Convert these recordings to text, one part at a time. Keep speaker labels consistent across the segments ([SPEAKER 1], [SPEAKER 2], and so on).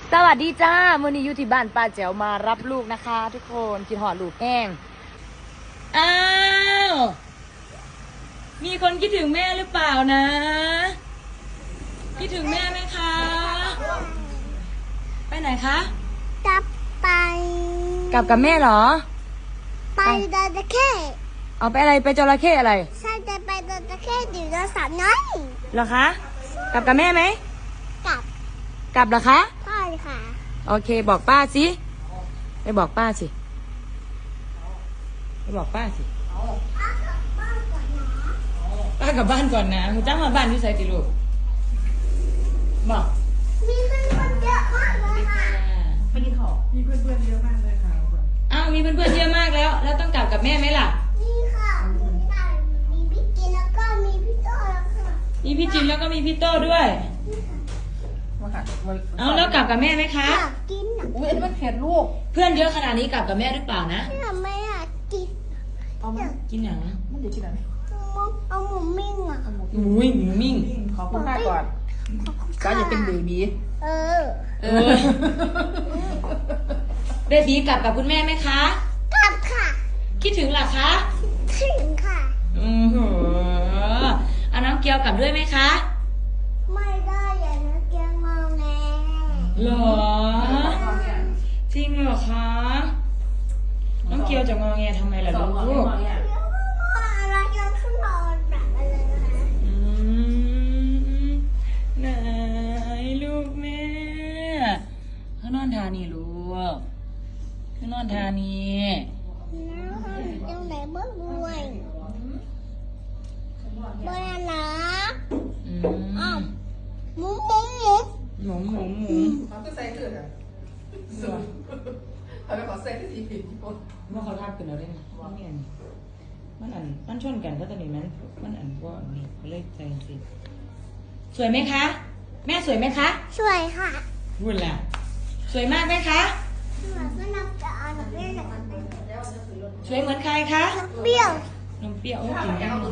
[SPEAKER 1] สวัสดีจ้ามื่อนี้อยู่ที่บ้านป้าแจ๋วมารับลูกนะคะทุกคนกินหอดลูกแห้งอ้าวมีคนคิดถึงแม่หรือเปล่านะคิดถึงแม่ไหมคะไปไหนคะ
[SPEAKER 2] กลับไป
[SPEAKER 1] กลับกับแม่เหรอ
[SPEAKER 2] ไปจระเข้
[SPEAKER 1] เอาไปอะไรไปจระเข้อะไร
[SPEAKER 2] ใช่จะไปจระเข้ดิโนเสาร์น้อย
[SPEAKER 1] เหรอคะกลับกับแม่ไหมกลับเหรอคะ
[SPEAKER 2] ใช่ค่ะ
[SPEAKER 1] โอเคบอกป้าสิไปบอกป้าสิไปบอกป้าสิป้ากลับบ้านก่อนนะคุณจ้างมาบ้านที่ไซติลูกบอก
[SPEAKER 2] มีเพื่อนเยอะมากเลยค่ะ
[SPEAKER 3] ไปกินของมีเพื่อนเยอะมากเลยค่ะ
[SPEAKER 1] อ้าวมีเพื่อนๆเยอะมากแล้วต้องกลับกับแม่ไหมล่ะ
[SPEAKER 2] นี่ค่ะมีพี่กินแล้วก็มีพี่โต้แล้วค่ะ
[SPEAKER 1] มีพี่จินแล้วก็มีพี่โต้ด้วยเอาแล้วกลับกับแม่ไหมคะ
[SPEAKER 2] อยากกินอ่ะ
[SPEAKER 3] อุ้ยอันนี้มันเผ็ดลูก
[SPEAKER 1] เพื่อนเยอะขนาดนี้กลับกับแม่หรือเปล่านะ
[SPEAKER 2] ไม่อยากกิน
[SPEAKER 3] เอามา
[SPEAKER 1] กินอย่างนะ
[SPEAKER 3] มันเดี๋ยวกินอะไร
[SPEAKER 2] เอาหมูมิ้งอ่ะ
[SPEAKER 1] หมูมิ่ง
[SPEAKER 3] ขอคุณค่าก่อนก็อย่าเป็นเบบี
[SPEAKER 1] เบบีกลับกับคุณแม่ไหมคะ
[SPEAKER 2] กลับค่ะ
[SPEAKER 1] คิดถึงเหรอคะ
[SPEAKER 2] ถึงค่ะ
[SPEAKER 1] เอาน้องเกียวกลับด้วยไหมคะ
[SPEAKER 2] ไม่ได้อย่านะเกียงงอแง
[SPEAKER 1] หรอจริงเหรอคะน้องเกียวจะงอแงทำไมล่ะลูก
[SPEAKER 2] อะไรยังขึ้นนอนแบบอะไร
[SPEAKER 1] ไหนลูกแม่เขานอนทานี่ลูกเขานอนทานี่
[SPEAKER 2] ยังไหนบ้างด้วยบนนะอ้าวหมู
[SPEAKER 3] เขาจะใส่เกลือเขาไปขอใส่ที่สีผิด
[SPEAKER 1] ว่าเขาทาบกันแล้วได้ไหมมันชนกันก็ตอนนี้มันว่านี่เลยใจสิสวยไหมคะแม่สวยไหมคะ
[SPEAKER 2] สวยค่ะ
[SPEAKER 1] พูดแล้วสวยมากไหมคะ
[SPEAKER 2] สวยก็นับจะเอาหนูเรียก
[SPEAKER 1] สวยเหมือนใครคะ
[SPEAKER 2] เปรี้ยวน
[SPEAKER 1] มเปรี้ยวกินยัง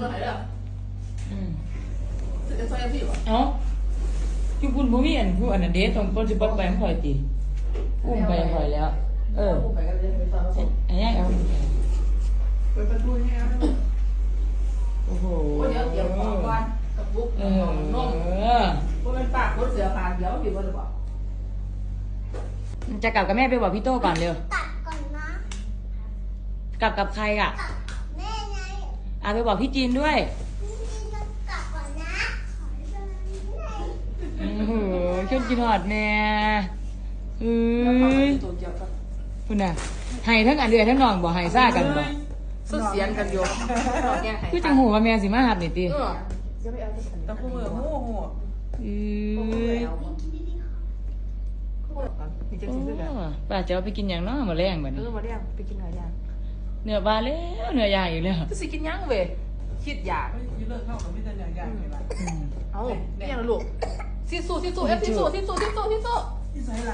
[SPEAKER 3] จะใส่ผิดวะ
[SPEAKER 1] เอ้าอยู่คุณผู้มีอันผู้อันนั้นเดทตรงต้นจิบไปมันคอยตีอุ้มไปคอยแล้วอันนี้เอา
[SPEAKER 3] เปิดประตูให้เอา
[SPEAKER 1] โอ้โห
[SPEAKER 3] เดี๋ยวของก่อนกับบุ๊กนุ่มเพราะมันปากรถเสือปากเดี๋ยวผิดว่าหรือเปล่า
[SPEAKER 1] จะกลับกับแม่ไปบอกพี่โต้ก่อนเร็ว
[SPEAKER 2] กลับก่อนนะ
[SPEAKER 1] กลับกับใครอ่ะ
[SPEAKER 2] แม่ไง
[SPEAKER 1] ไปบอกพี่จีนด้วย
[SPEAKER 2] พี่จีนจะกลับก่อนนะ
[SPEAKER 1] โอ้โหชอบกินหอดแม่คุณน่ะให้ทั้งอันเดือทั้งนองบอกให้ซ่ากันบอก
[SPEAKER 3] สุดเสียงกันโยม
[SPEAKER 1] คือจังหูว่าแม่สิมาหับนี่ตี
[SPEAKER 3] ตะคู่มือหู
[SPEAKER 1] ป้าจะเอาไปกินอย่างน้อมาแรงแบบนี้
[SPEAKER 3] มาแรงไปกินเนื้อย่าง
[SPEAKER 1] เนื้อบาแล้วเนื้อย่างอีกแล้ว
[SPEAKER 3] จะสิกินย่างเว้ยคิดอยากเลิกเข้ากับพี่เดินอย่างเลยล่ะเอาไม่ยังลูกซิสู้ซิใส่ละ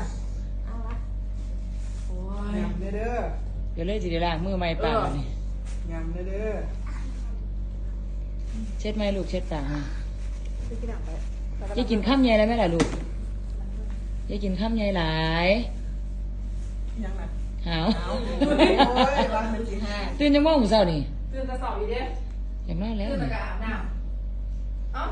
[SPEAKER 3] โอ้ยยำเด้อ
[SPEAKER 1] เดี๋ยวเลยจีเดล่ามือไม่ปากนี่
[SPEAKER 3] ยำเด้อ
[SPEAKER 1] เช็ดไหมลูกเช็ดปากจะกินข้ามใหญ่แล้วไหมล่ะลูกจะกินข้ามใหญ่หลาย
[SPEAKER 3] ยังไง
[SPEAKER 1] หาวตื่นจังโมงเช้านี่
[SPEAKER 3] ตื่นแต่สอบอีเด้
[SPEAKER 1] อย่างน้อยแล้ว
[SPEAKER 3] ตื่นแต่กอาบน้ำเอ้า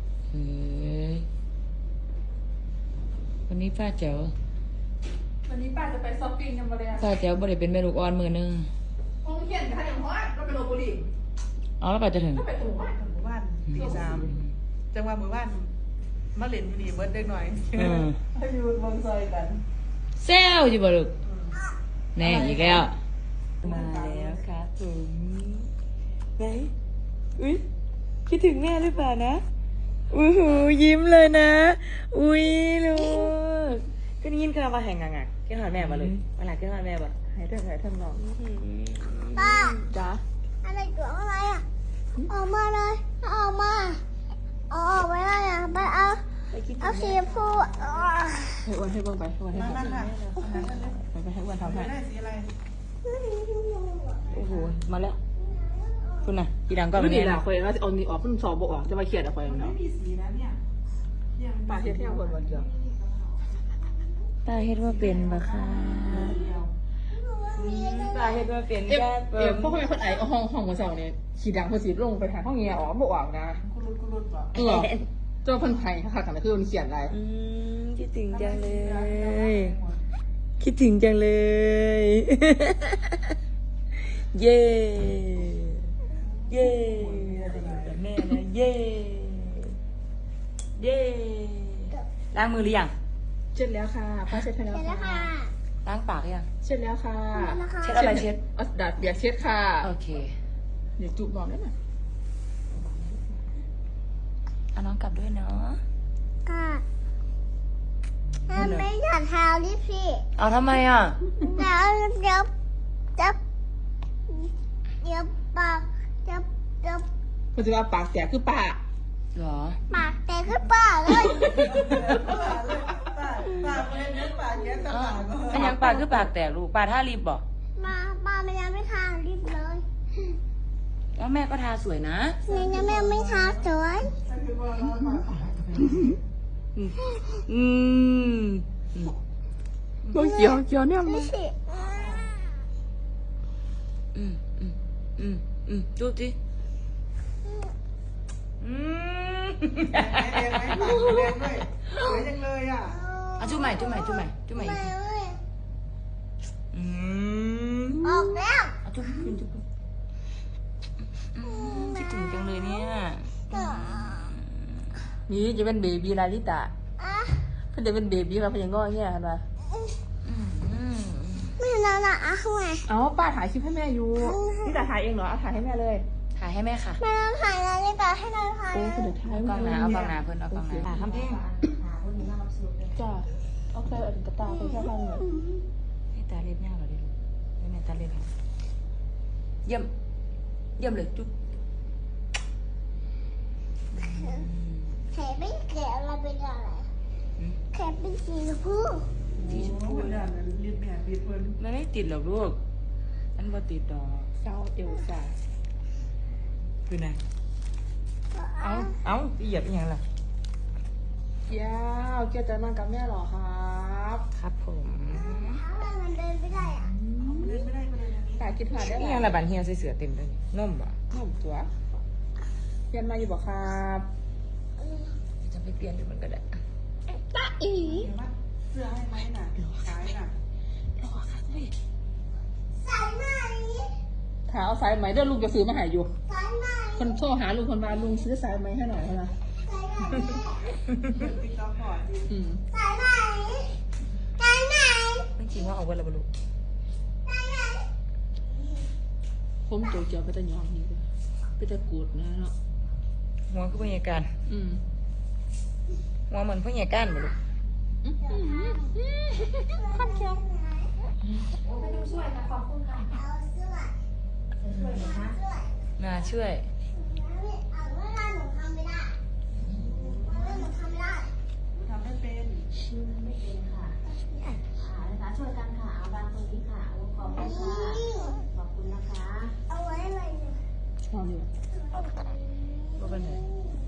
[SPEAKER 1] วันนี้ป้าเจ๋ว
[SPEAKER 3] วันนี้ป้าจะไปช้อปปิ้งยังไง
[SPEAKER 1] ป้าเจ๋วบ่ได้เป็นแม่ลูกอ่อนมือนึง
[SPEAKER 3] คงเขียนค่ะอย่างว่าเราไปโรบุรี
[SPEAKER 1] แล้วป้าจะถึง
[SPEAKER 3] ไปถึงบ้านตี3จังหวะมือบ้านมาเล่นมินิเบิร์ดเด็กหน่อยให้อยู่บนซอยกัน
[SPEAKER 1] เซลอยู่บ่ลูกแน่อีกแล้วมาแล้วครับผมไหนอุ้ยคิดถึงแม่หรือเปล่านะอู้หูยิ้มเลยนะอุ้ยลูกก็ได้ยินคำว่าแห่งงักกินหอดแม่มาเลยมาหลักกินหอดแม่บ่หายเถอะหายทำนอง
[SPEAKER 2] ป้า
[SPEAKER 1] จ๋า
[SPEAKER 2] อะไรเกี่ยวอะไรอ่ะออกมาเลยออกมาออกไปได้อ่ะไปเอาสีฟู
[SPEAKER 3] ให้อ้วนให้เบิ่งไปอ้วนให้เบิ่งไปให้อ้วนทำให้
[SPEAKER 1] โอ้โหมาแล้วคุณน่ะกีดังก็
[SPEAKER 3] ไม่ดีละคอยว่าเอานี่ออกเพิ่งสอบบอกออกจะมาเขียนอะคอยเนาะไม่มีสีนะเนี่ยปากเทียบคนวันเดียว
[SPEAKER 1] ป้าเฮ็ดว่าเป็นบ่ค่ะป้าเฮ็ดว่าเป็น
[SPEAKER 3] เอฟ
[SPEAKER 1] แก้
[SPEAKER 3] เอฟพวกคนไอ้ห้องหัวเสาเนี่ยขี่ดังพอสีลงไปทางห้องเงียอ๋อบอกว่านะตัวเพิ่นไผ่ค่ะกันคือมันเขียนอะไร
[SPEAKER 1] คิดถึงจังเลย คิดถึงจังเลย เย่เย่เราจะอยู่กับแม่นะเย่เย่ล้างมือหรือยัง
[SPEAKER 3] เช็ดแล้วค่ะป้าเช็ดให้แล้ว
[SPEAKER 2] เสร็จแล้ว
[SPEAKER 3] ค่ะ
[SPEAKER 2] ค่ะ
[SPEAKER 1] ล้างปากหรือยัง
[SPEAKER 3] เช็ดแล้วค่ะ
[SPEAKER 1] เช็ดอะไรเช็ด
[SPEAKER 3] เอาดัดเบียร์เช็ดค่ะ
[SPEAKER 1] โอเค
[SPEAKER 3] เดี๋ยวจุบนอนได้ไหม
[SPEAKER 1] เอาน้องกลับด้วยเนาะ
[SPEAKER 2] ค่ะไม่อยากเท้าดิพี่
[SPEAKER 1] เอาทำไมอ่ะ
[SPEAKER 2] เดี๋ยวปากเดี๋ยว
[SPEAKER 3] มันจะว่าปากแตกคือปาก
[SPEAKER 1] เหรอ
[SPEAKER 2] ปากแตกขึ้นปากเลย
[SPEAKER 1] อันยังปากคือปากแตกลูกปากท่ารีบบอก
[SPEAKER 2] ป้าไม่ยังไม่ทาลิปเลย
[SPEAKER 1] แล้วแม่ก็ทาสวยนะ
[SPEAKER 2] เนี่ยแม่ไม่ทาสวย
[SPEAKER 1] อืมก็เกี่ยวเนี่ย
[SPEAKER 2] ไม่สิ
[SPEAKER 1] ดูสิอ่ะจุ๊บใหม่
[SPEAKER 2] ไม่ออกแล้ว
[SPEAKER 1] อ่ะจุ๊บคิดถึงจังเลยเนี่ยนี่จะเป็นเบบีลาลิตาเพิ่นจะเป็นเบบีมาเพิ่นยังง้อเงี้ยกันวะ
[SPEAKER 2] ไม่นอนอ่ะทำไม
[SPEAKER 3] เอาป้าถ่ายคลิปให้แม่อยู่นี่แต่ถ่ายเองเหรอเอาถ่ายให้แม่เลย
[SPEAKER 1] ถ่ายให้แม่ค่ะ
[SPEAKER 2] ไม่ต้องถ่ายนาฬิกาให้นอนถ่าย
[SPEAKER 3] โอ้คุณเดี๋ยวถ่าย
[SPEAKER 1] เอากล้องหนาเอากล้องหนาเพิ่นเอากล้องหนาทำเพลง
[SPEAKER 3] จ้าเอาใส่อันกระตาไปแค่ข้างหนึ่ง
[SPEAKER 1] ให้ตาเล็บยาวเหรอดิลูกให้แม่ตาเล็บเยี่ยมเลยจุ๊บ
[SPEAKER 2] แขนไม่แขนอะไรเป็นอะไรแขนเป็นสีชมพู
[SPEAKER 1] สีชมพูมันไม่ติดหรอกลูกอันบ่ติดดอก
[SPEAKER 3] เศร้าเอลซ่า
[SPEAKER 1] คือไงเอาเหยียบยังล่ะ
[SPEAKER 3] ยาวเกี่ยวจะนอนกับแม่เหรอครับ
[SPEAKER 1] ครับผม
[SPEAKER 2] ทำไมมันเดินไม่ได้อ่ะ
[SPEAKER 3] ถ่ายกินผ่านได้
[SPEAKER 1] นี่
[SPEAKER 3] ไหม
[SPEAKER 1] ยังละบันเฮียใส่เสือเต็มเลยนุ่มบ่
[SPEAKER 3] นุ่มตัวเรียนมาอยู่บ่ครับ
[SPEAKER 1] จะไปเปลี่ยนดูมันก็ได้
[SPEAKER 3] ตาอี
[SPEAKER 2] ใส่ไหม
[SPEAKER 3] ถาเอาสายไหมเดี๋ยวลุงจะซื้อมาให้อยู่
[SPEAKER 2] ใส่ไหม
[SPEAKER 3] คนโทรหาลุงคนมาลุงซื้อสายไหมให้หน่อยนะ
[SPEAKER 2] ใส่ไหม
[SPEAKER 3] อืม
[SPEAKER 2] ใส่ไหมใส่ไหม
[SPEAKER 1] ไม่จริงว่าเอาไว้และบ่ลูก
[SPEAKER 2] ใส่ไหม
[SPEAKER 3] ผมตัวเจียวไปแต่ยองนี่เลยไปแต่กูดนะเนาะ
[SPEAKER 1] หัวคือพยาการ
[SPEAKER 3] อืม
[SPEAKER 1] หัวเหมือนพยาการบ่ลูก
[SPEAKER 3] ข้ามเคียว
[SPEAKER 1] น่าช่วย
[SPEAKER 4] ช่วยกันค่ะเอาบางตรงนี้ค่ะเอาขอบคุณค่ะขอบคุณนะคะ
[SPEAKER 2] เอาไว้เลย
[SPEAKER 3] ชอบอยู่
[SPEAKER 1] บ่เป็นไร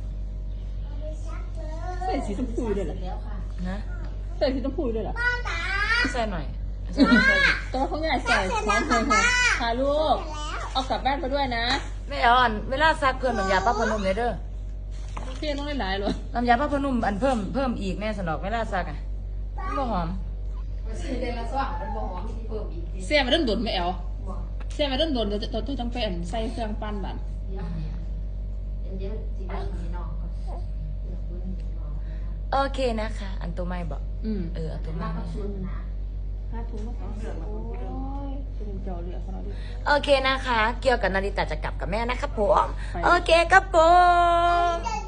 [SPEAKER 3] ใส่สีชมพูด้วยเหรอ
[SPEAKER 4] แล้วค่ะ
[SPEAKER 1] นะ
[SPEAKER 3] ใส่สีชมพูด้วยเหรอ
[SPEAKER 2] ป้าตา
[SPEAKER 1] ใส่หน่อยใส่อีก
[SPEAKER 3] แต่ว่าเขาอยากใส่พร้อมเลยค่ะพาลูกเอากลับบ้านไปด้วยนะ
[SPEAKER 1] ไม่เอาอันเวลาซักเพิ่มน้ำยาป้าพนุ่มเลยเด้อ
[SPEAKER 3] พี่ต้องได้หลายเลย
[SPEAKER 1] น้ำยาป้าพนุ่มอันเพิ่มอีกแม่สนอกเวลาซักอ่ะมันบ่หอม
[SPEAKER 4] เดือนละสองมันบ่หอมมีเพิ่มอีก
[SPEAKER 3] เสียมาเริ่มโดนไม่เอาเสียมาเริ่มโดนเดี๋ยวต้องไปอันใส่เครื่องปั้นบัน
[SPEAKER 4] เดี๋ยวจีบมีน้องก็เดี๋ยวคุณน้อง
[SPEAKER 1] โอเคนะคะ อันตัวไม่บอก
[SPEAKER 3] อืม
[SPEAKER 1] อันตัวไม่
[SPEAKER 4] มากับชุนนะ
[SPEAKER 3] ห้าถุงมาสองเดือนโอ้ยเป็นเจ้าเหลือเขาเราดิ
[SPEAKER 1] โอเคนะคะ เกี่ยวกับนาริตาจะกลับกับแม่นะครับผม โอเคครับผม
[SPEAKER 2] จะ